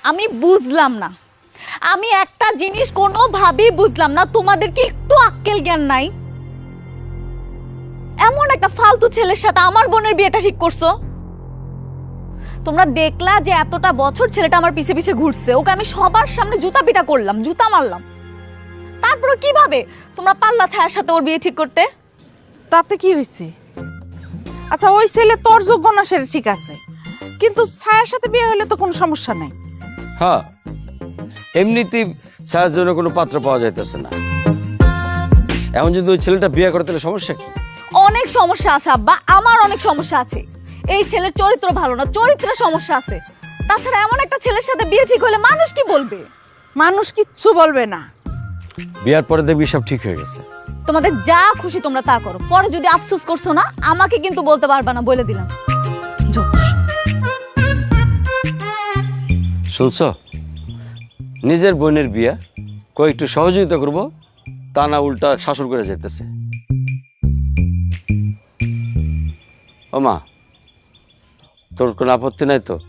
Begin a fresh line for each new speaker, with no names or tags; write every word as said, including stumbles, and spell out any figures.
আমি বুঝলাম না, আমি একটা জিনিস কোনোভাবেই বুঝলাম না, তোমাদের কি একটু আক্কেল জ্ঞান নাই? এমন একটা ফালতু ছেলের সাথে আমার বোনের বিয়েটা ঠিক করছো। তোমরা দেখলা যে এতটা বছর ছেলেটা আমার পিছে পিছে ঘুরছে, ওকে আমি সবার সামনে জুতা পিটা করলাম, জুতা মারলাম, তারপরে কিভাবে তোমরা পাল্লা ছায়ার সাথে ওর বিয়ে ঠিক করতে?
তাতে কি হয়েছে? আচ্ছা ওই ছেলে তোর যোগ্য না সেটা ঠিক আছে, কিন্তু ছায়ার সাথে বিয়ে হলে তো কোনো সমস্যা নাই।
হ্যাঁ, এমনিতেই ছায়ার জন্য কোনো পাত্র পাওয়া যাইতেছে না। এখন যদি ওই ছেলেটা বিয়ে করে তাহলে সমস্যা কি?
অনেক সমস্যা আছে আব্বা, আমার অনেক সমস্যা আছে। এই ছেলের চরিত্র ভালো না, চরিত্রের সমস্যা আছে। তাছাড়া এমন একটা ছেলের সাথে বিয়ে ঠিক হলে মানুষ কি বলবে?
মানুষ কিচ্ছু বলবে না।
বিয়ার পরে দেখবি সব ঠিক হয়ে গেছে।
তোমাদের যা খুশি তোমরা তা করো, পরে যদি আফসোস করছো না আমাকে কিন্তু বলতে পারবা না, বলে দিলাম।
শুনছ, নিজের বোনের বিয়া কই একটু সহযোগিতা করবো, তা না উল্টা শাসন করে যেতেছে। ও মা, তোর কোনো আপত্তি নাই তো?